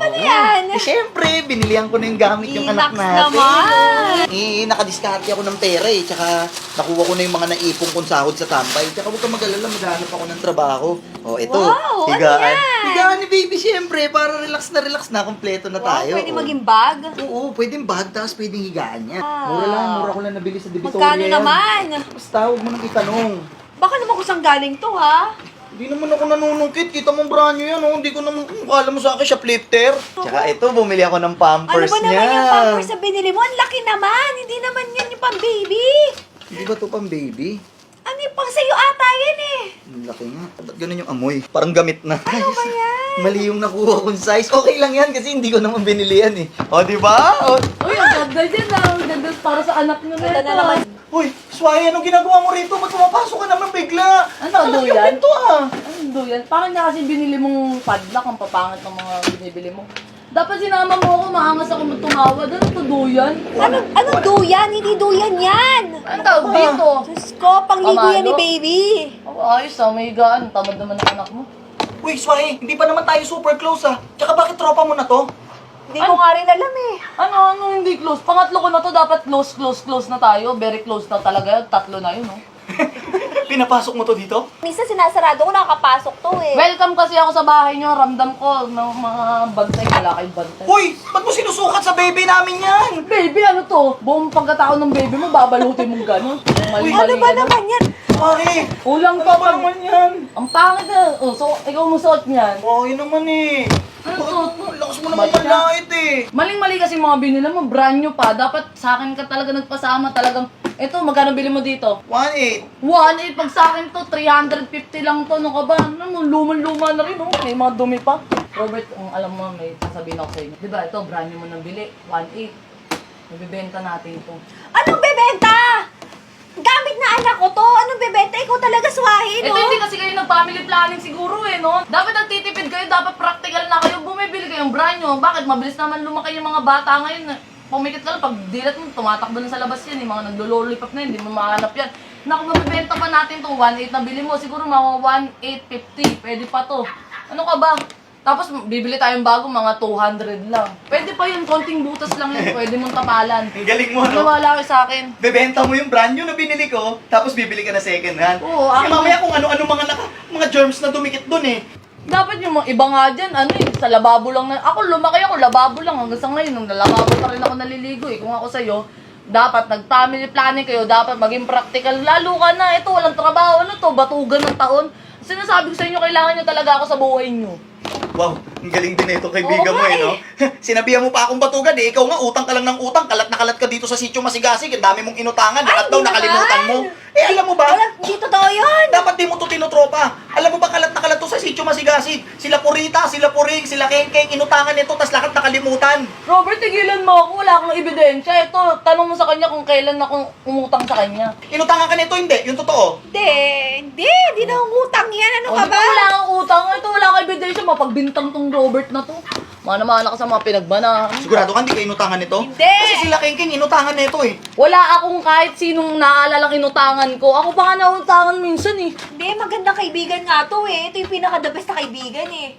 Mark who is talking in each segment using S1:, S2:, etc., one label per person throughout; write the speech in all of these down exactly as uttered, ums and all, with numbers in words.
S1: Ano yan?
S2: Eh, syempre, binilihan ko na yung gamit yung anak
S1: Inax
S2: natin.
S1: naman.
S2: Eh, nakadiskarte ako ng pera eh. Tsaka, nakuha ko na yung mga naipong kong sahod sa tambay. Tsaka huwag kang mag-alala, maghanap ako ng trabaho. O, ito.
S1: Wow, ano
S2: higaan.
S1: yan?
S2: Higaan ni baby, syempre. Para relax na relax na. Kompleto na
S1: Wow,
S2: tayo.
S1: pwede
S2: O.
S1: maging bag.
S2: Oo, pwedeng bag, tapos pwedeng higaan niya.
S1: Ah.
S2: Mura lang, mura ko lang nabili sa Divisoria.
S1: Magkano
S2: yan.
S1: naman?
S2: Basta, huwag mo nang itanong.
S1: Baka naman kung saan galing to, ha?
S2: Hindi naman ako nanunungkit. Kita mo brand new yan, oh. Hindi ko naman, kung kala mo sa akin, shoplifter. Tsaka ito, bumili ako ng
S1: Ano
S2: pampers
S1: ba
S2: niya.
S1: naman yung pampers na binili mo? Ang laki naman. Hindi naman yan yung pang baby.
S2: Hindi ba ito pang baby?
S1: Ano yung pang sa'yo ata yan eh?
S2: Ang laki nga. Ba't ganun yung amoy? Parang gamit na.
S1: Ano ba yan?
S2: Mali yung nakuha kong size. Okay lang yan kasi hindi ko naman binili yan eh. O, di ba? O,
S3: Uy, ang ganda dyan ah. Ang ganda para sa anak nyo na
S1: Ganda
S3: ito.
S1: na naman.
S2: Uy, Sway, anong ginagawa mo rito? Ba't pumapasok ka naman bigla?
S3: Ano,
S2: Nakalak yung
S3: duyan?
S2: pinto ah.
S3: Ano yan? Parang na kasi binili mong padlock ang papangit ng mga binibili mo. Dapat sinama mo ako, maangas ako tumawad. Ano to, duyan?
S1: Ano, ano duyan? Hindi duyan yan.
S3: Ano tawag dito?
S1: Diyos ko, pangligo yan ni
S3: Pamalo?
S1: baby.
S3: Oh, ayos ah, may higaan. Tamad naman ang anak mo.
S2: Uy, Sway, hindi pa naman tayo super close ah. Tsaka bakit tropa mo na to?
S1: Hindi ko nga rin alam eh.
S3: Ano, ano hindi close? Pangatlo ko na to, dapat close, close, close na tayo. Very close na talaga yun. Tatlo na yun, no?
S2: Pinapasok mo to dito?
S1: Minsan sinasarado ko, nakakapasok to eh.
S3: Welcome kasi ako sa bahay nyo. Ramdam ko ng mga bantay. Wala kayong bantay.
S2: Uy, ba't mo sinusukat sa baby namin yan?
S3: Baby, ano to? Buong pagkatao ng baby mo, babalutin mong gano'n. Mali-mali
S1: Ano ba
S3: ka na.
S1: naman yan?
S2: Sway,
S3: Ulang
S2: ano
S3: pa
S2: ba
S3: pag...
S2: naman yan?
S3: Ang pangit na. Oh, so, ikaw mo suot niyan.
S2: Oh, yun naman eh.
S3: Ano
S2: Bakit
S3: to?
S2: mo- Lakas mo naman
S3: Ba't ka?
S2: malait eh.
S3: Maling-mali kasi mga binila mo, brand new pa. Dapat sa akin ka talaga nagpasama talagang... Ito, magkano bili mo dito?
S2: one eight.
S3: one eight pag sa akin to, three hundred fifty lang to. Ano ka ba? Ano, luman-luma na rin, oh. May mga dumi pa. Robert, ang alam mo, may sasabihin ako sa inyo. Di ba, ito, brand new mo nang bili. one eight. Mabibenta natin ito.
S1: Anong bebenta? Gamit na anak ko to. Anong bebenta? Ikaw talaga swahin,
S3: Ito
S1: no?
S3: hindi kasi kayo nag-family planning siguro eh, no? Dapat nagtitipid kayo, dapat practical na kayo, bumibili kayong brand nyo. Bakit? Mabilis naman lumaki yung mga bata ngayon. eh. Pumikit ka lang, pag dilat mo, tumatakbo na sa labas yan, yung mga naglo-lollipop na yun, hindi mo mahanap yan. Naku, mabibenta pa natin to, one eight na bili mo, siguro mga one eight fifty, pwede pa to. Ano ka ba? Tapos bibili tayong bago, mga two hundred lang. Pwede pa yun, konting butas lang yun, pwede mong tapalan.
S2: Ang galing mo, no?
S3: Nawala kayo sa akin.
S2: Bebenta mo yung brand new na binili ko, tapos bibili ka na second hand.
S3: Oo,
S2: Kasi
S3: ako-
S2: mamaya kung ano-ano mga naka, mga germs na dumikit dun eh.
S3: Dapat yung mga iba nga dyan, ano eh, sa lababo lang na, ako lumaki ako, lababo lang, hanggang sa ngayon, nung lababo pa rin ako naliligo eh. Kung ako sa'yo, dapat nag-family planning kayo, dapat maging practical, lalo ka na, ito, walang trabaho, ano to, batugan ng taon. Sinasabi ko sa inyo, kailangan nyo talaga ako sa buhay nyo.
S2: Wow, ang galing din ito kaibigan
S3: Oo
S2: mo
S3: nga
S2: eh, no? Sinabihan mo pa akong batugan eh. Ikaw nga, utang ka lang ng utang. Kalat na kalat ka dito sa sitio Masigasig. Ang dami mong inutangan. Lahat daw
S1: hindi
S2: nakalimutan mo.
S1: naman.
S2: Eh, alam mo ba?
S1: Wala, hindi totoo yun.
S2: Dapat di mo to tinutropa. Alam mo ba kalat na kalat to sa sitio Masigasig? Sila Purita, sila Puring, sila Kengkeng, inutangan nito, tas lahat nakalimutan.
S3: Robert, tigilan mo ako, wala akong ebidensya. Ito, tanong mo sa kanya kung kailan ako umutang sa kanya.
S2: Inutangan ka nito, hindi. Yung totoo.
S1: Hindi, hindi. Hindi na utang yan. Ano
S3: O,
S1: ka
S3: di
S1: ba?
S3: Wala akong utang. Ito, wala akong ebidensya. Mapagbintang tong Robert na to. Mana-mana ka sa mga pinagbanahan.
S2: Sigurado ka hindi ka inutangan nito?
S1: Hindi.
S2: Kasi sila Kengkeng inutangan nito eh.
S3: Wala akong kahit sinong naalalang inutangan ko. Ako pa nga nautangan minsan eh.
S1: Hindi, magandang kaibigan nga to eh. Ito yung pinaka-the best na kaibigan eh.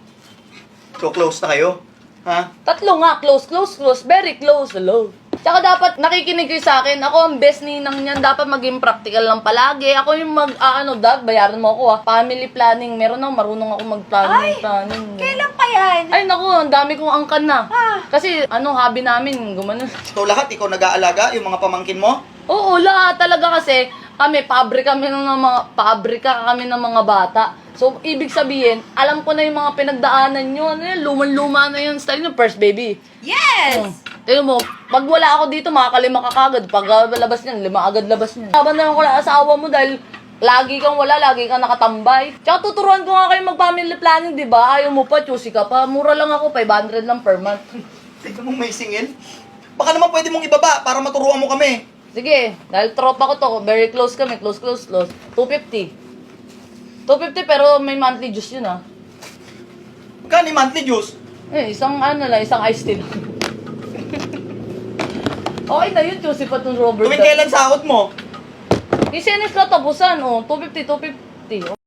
S2: So close na kayo. Ha?
S3: Tatlo nga, close, close, close. Very close, hello. Tsaka dapat nakikinig kayo sa akin. Ako ang best ninang niyan. Dapat maging practical lang palagi. Ako yung mag, ah, ano, dad, bayaran mo ako ah. Family planning. Meron ako, marunong ako mag-planning.
S1: Ay,
S3: planning.
S1: Kailan pa yan?
S3: Ay, naku, ang dami kong angkan na.
S1: Ah.
S3: Kasi, ano, hobby namin, gumanon.
S2: So lahat, ikaw nag-aalaga, yung mga pamangkin mo?
S3: Oo, lahat talaga kasi kami, pabrika kami ng mga, pabrika kami ng mga bata. So, ibig sabihin, alam ko na yung mga pinagdaanan nyo. Ano yun, luman-luma na yung style nyo, first baby.
S1: Yes!
S3: Tignan mo, pag wala ako dito, makakalima ka kagad. Pag uh, labas niyan, lima agad labas niyan. Saban na lang ko lang asawa mo dahil lagi kang wala, lagi kang nakatambay. Tsaka tuturuan ko nga kayo mag-family planning, di ba? Ayaw mo pa, choosy ka pa. Mura lang ako, five hundred lang per month.
S2: Tignan mo may singil. Baka naman pwede mong ibaba para maturuan mo kami.
S3: Sige, dahil tropa ko to, very close kami, close, close, close. two fifty. two fifty pero may monthly juice yun ah.
S2: Magkano yung monthly juice?
S3: Eh, isang ano lang, isang iced tea lang. Okay na yun, choosy pa tong Robert.
S2: Tuwing kailan sahod mo?
S3: Isinis ka tapusan, oh, two fifty, two fifty.